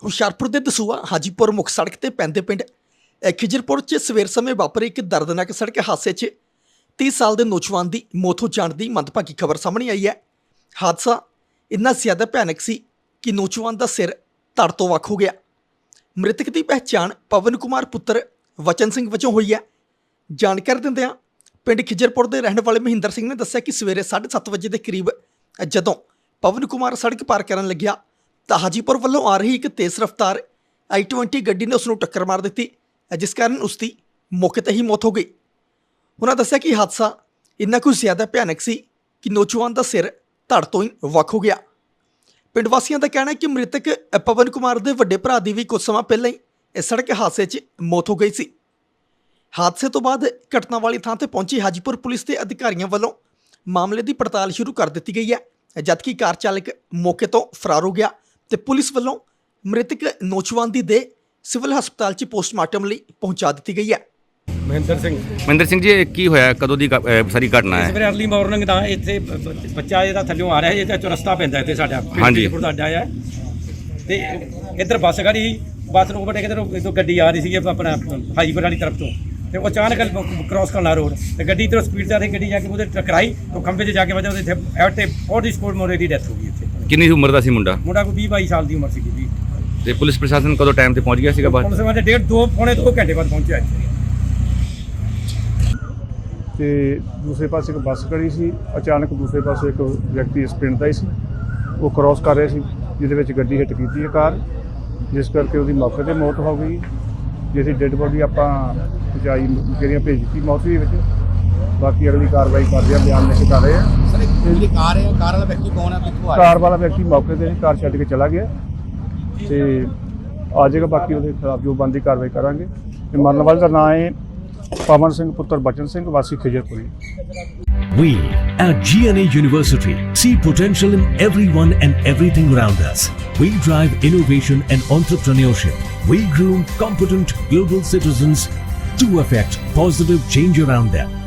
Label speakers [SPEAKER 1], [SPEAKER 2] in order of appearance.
[SPEAKER 1] ਹੁਸ਼ਿਆਰਪੁਰ ਦੇ ਦਸੂਹਾ ਹਾਜੀਪੁਰ ਮੁੱਖ ਸੜਕ ਤੇ ਪੈਂਦੇ ਪਿੰਡ ਖਿਜਰਪੁਰ 'ਚ ਸਵੇਰ ਸਮੇਂ ਵਾਪਰੇ ਇੱਕ ਦਰਦਨਾਕ ਸੜਕ ਹਾਦਸੇ 'ਚ 30 ਸਾਲ ਦੇ ਨੌਜਵਾਨ ਦੀ ਮੌਤ ਹੋ ਜਾਣ ਦੀ ਮੰਦਭਾਗੀ ਖਬਰ ਸਾਹਮਣੇ ਆਈ ਹੈ। ਹਾਦਸਾ ਇੰਨਾ ਜ਼ਿਆਦਾ ਭਿਆਨਕ ਸੀ ਕਿ ਨੌਜਵਾਨ ਦਾ ਸਿਰ ਧੜ ਤੋਂ ਵੱਖ ਹੋ ਗਿਆ। ਮ੍ਰਿਤਕ ਦੀ ਪਹਿਚਾਣ ਪਵਨ ਕੁਮਾਰ ਪੁੱਤਰ ਵਚਨ ਸਿੰਘ ਵਜੋਂ ਹੋਈ ਹੈ। ਜਾਣਕਾਰੀ ਦਿੰਦਿਆਂ ਪਿੰਡ ਖਿਜਰਪੁਰ ਦੇ ਰਹਿਣ ਵਾਲੇ ਮਹਿੰਦਰ ਸਿੰਘ ਨੇ ਦੱਸਿਆ ਕਿ ਸਵੇਰੇ 7:30 ਵਜੇ ਦੇ ਕਰੀਬ ਜਦੋਂ ਪਵਨ ਕੁਮਾਰ ਸੜਕ ਪਾਰ ਕਰਨ ਲੱਗਿਆ ਤਾਂ ਹਾਜੀਪੁਰ ਵੱਲੋਂ ਆ ਰਹੀ ਇੱਕ ਤੇਜ਼ ਰਫ਼ਤਾਰ i20 ਗੱਡੀ ਨੇ ਉਸ ਨੂੰ ਟੱਕਰ ਮਾਰ ਦਿੱਤੀ, ਜਿਸ ਕਾਰਨ ਉਸ ਦੀ ਮੌਕੇ 'ਤੇ ਹੀ ਮੌਤ ਹੋ ਗਈ। ਉਹਨਾਂ ਦੱਸਿਆ ਕਿ ਹਾਦਸਾ ਇੰਨਾ ਕੁ ਜ਼ਿਆਦਾ ਭਿਆਨਕ ਸੀ ਕਿ ਨੌਜਵਾਨ ਦਾ ਸਿਰ ਧੜ ਤੋਂ ਹੀ ਵੱਖ ਹੋ ਗਿਆ। ਪਿੰਡ ਵਾਸੀਆਂ ਦਾ ਕਹਿਣਾ ਹੈ ਕਿ ਮ੍ਰਿਤਕ ਪਵਨ ਕੁਮਾਰ ਦੇ ਵੱਡੇ ਭਰਾ ਦੀ ਵੀ ਕੁਝ ਸਮਾਂ ਪਹਿਲਾਂ ਹੀ ਇਸ ਸੜਕ ਹਾਦਸੇ 'ਚ ਮੌਤ ਹੋ ਗਈ ਸੀ। ਹਾਦਸੇ ਤੋਂ ਬਾਅਦ ਘਟਨਾ ਵਾਲੀ ਥਾਂ ਤੇ ਪਹੁੰਚੀ ਹਾਜੀਪੁਰ ਪੁਲਿਸ ਦੇ ਅਧਿਕਾਰੀਆਂ ਵੱਲੋਂ ਮਾਮਲੇ ਦੀ ਪੜਤਾਲ ਸ਼ੁਰੂ ਕਰ ਦਿੱਤੀ ਗਈ ਹੈ, ਜਦਕਿ ਕਾਰ ਚਾਲਕ ਮੌਕੇ ਤੋਂ ਫਰਾਰ ਹੋ ਗਿਆ ਤੇ ਪੁਲਿਸ ਵੱਲੋਂ ਮ੍ਰਿਤਕ ਨੌਜਵਾਨ ਦੀ ਦੇਹ ਸਿਵਲ ਹਸਪਤਾਲ 'ਚ ਪੋਸਟਮਾਰਟਮ ਲਈ ਪਹੁੰਚਾ ਦਿੱਤੀ ਗਈ ਹੈ।
[SPEAKER 2] ਮਹਿੰਦਰ ਸਿੰਘ ਜੀ, ਇਹ ਕੀ ਹੋਇਆ, ਕਦੋਂ ਦੀ ਸਾਰੀ ਘਟਨਾ ਹੈ?
[SPEAKER 3] ਸਵੇਰੇ ਅਰਲੀ ਮਾਰਨਿੰਗ ਦਾ ਇੱਥੇ ਬੱਚਾ ਇਹਦਾ ਥੱਲਿਓਂ ਆ ਰਿਹਾ, ਇਹਦਾ ਚੁਰਸਤਾ ਪੈਂਦਾ ਇੱਥੇ ਸਾਡਾ ਪਿੰਡ ਦਾ ਅੱਡਾ ਹੈ ਤੇ ਇੱਧਰ ਬੱਸ ਖੜੀ, ਬੱਸ ਨੂੰ ਓਵਰਟੇਕ ਇੱਧਰੋਂ ਗੱਡੀ ਆ ਰਹੀ ਸੀ ਆਪਣਾ ਹਾਜੀਪੁਰ ਵਾਲੀ ਤਰਫ ਤੋਂ, ਤੇ ਉਹ ਅਚਾਨਕ ਕ੍ਰਾਸ ਕਰਨਾ ਰੋਡ ਤੇ ਗੱਡੀ ਇੱਧਰੋਂ ਸਪੀਡ 'ਤੇ ਆ ਰਹੀ, ਗੱਡੀ ਜਾ ਕੇ ਉਹਦੇ ਟਕਰਾਈ, ਉਹ ਖੰਭੇ 'ਚ ਜਾ ਕੇ ਵਜਾ, ਉਹਦੇ ਇੱਥੇ ਔਨ ਦੀ ਸਪੋਟ ਮੋਰੇ ਦੀ ਡੈਥ ਹੋ ਗਈ। ਇੱਥੇ
[SPEAKER 2] ਕਿੰਨੀ ਉਮਰ ਦਾ ਸੀ ਮੁੰਡਾ?
[SPEAKER 3] ਕੋਈ 20-22 ਸਾਲ ਦੀ ਉਮਰ ਸੀਗੀ ਜੀ।
[SPEAKER 2] ਤੇ ਪੁਲਿਸ ਪ੍ਰਸ਼ਾਸਨ ਕਦੋਂ ਟਾਈਮ ਤੇ ਪਹੁੰਚ ਗਿਆ ਸੀਗਾ?
[SPEAKER 3] ਪੁਲਿਸ ਵਾਲੇ 1.5-2 ਘੰਟੇ ਬਾਅਦ ਪਹੁੰਚਿਆ ਇੱਥੇ।
[SPEAKER 4] ਤੇ ਦੂਸਰੇ ਪਾਸੇ ਇੱਕ ਬੱਸ ਖੜੀ ਸੀ, ਅਚਾਨਕ ਦੂਸਰੇ ਪਾਸੇ ਇੱਕ ਵਿਅਕਤੀ ਇਸ ਪਿੰਡ ਦਾ ਹੀ ਸੀ, ਉਹ ਕ੍ਰਾਸ ਕਰ ਰਿਹਾ ਸੀ, ਜਿਹਦੇ ਵਿੱਚ ਗੱਡੀ ਹਿੱਟ ਕੀਤੀ ਹੈ ਕਾਰ, ਜਿਸ ਕਰਕੇ ਉਹਦੀ ਮੌਕੇ 'ਤੇ ਮੌਤ ਹੋ ਗਈ। ਜਿਹਦੀ ਡੈੱਡ ਬੋਡੀ ਆਪਾਂ ਪਹੁੰਚਾਈ ਜਿਹੜੀਆਂ ਭੇਜ ਦਿੱਤੀ ਮੌਤ ਦੇ ਵਿੱਚ। ਬਾਕੀ ਅਗਲੀ ਕਾਰਵਾਈ ਕਰਦੇ ਆ, ਬਿਆਨ ਲਿਖ ਕੇ ਕਰ ਰਹੇ ਆ।
[SPEAKER 5] ਸਰ ਜਿਹੜੀ ਕਾਰ ਹੈ, ਕਾਰ ਵਾਲਾ ਵਿਅਕਤੀ ਕੌਣ ਹੈ, ਕਿੱਥੋਂ ਆ ਰਿਹਾ?
[SPEAKER 4] ਕਾਰ ਵਾਲਾ ਵਿਅਕਤੀ ਮੌਕੇ 'ਤੇ ਕਾਰ ਛੱਡ ਕੇ ਚਲਾ ਗਿਆ ਤੇ ਆ ਜਾਏਗਾ। ਬਾਕੀ ਉਹਦੇ ਖਿਲਾਫ ਜੋ ਬਣਦੀ ਕਾਰਵਾਈ ਕਰਾਂਗੇ। ਤੇ ਮਰਨ ਵਾਲੇ ਦਾ ਨਾਂ ਹੈ ਪਵਨ ਸਿੰਘ ਪੁੱਤਰ ਬਚਨ ਸਿੰਘ, ਵਾਸੀ ਖਿਜਰਪੁਰੀ।
[SPEAKER 6] We at GNA University see potential in everyone and everything around us. We drive innovation and entrepreneurship. We groom competent global citizens to affect positive change around them.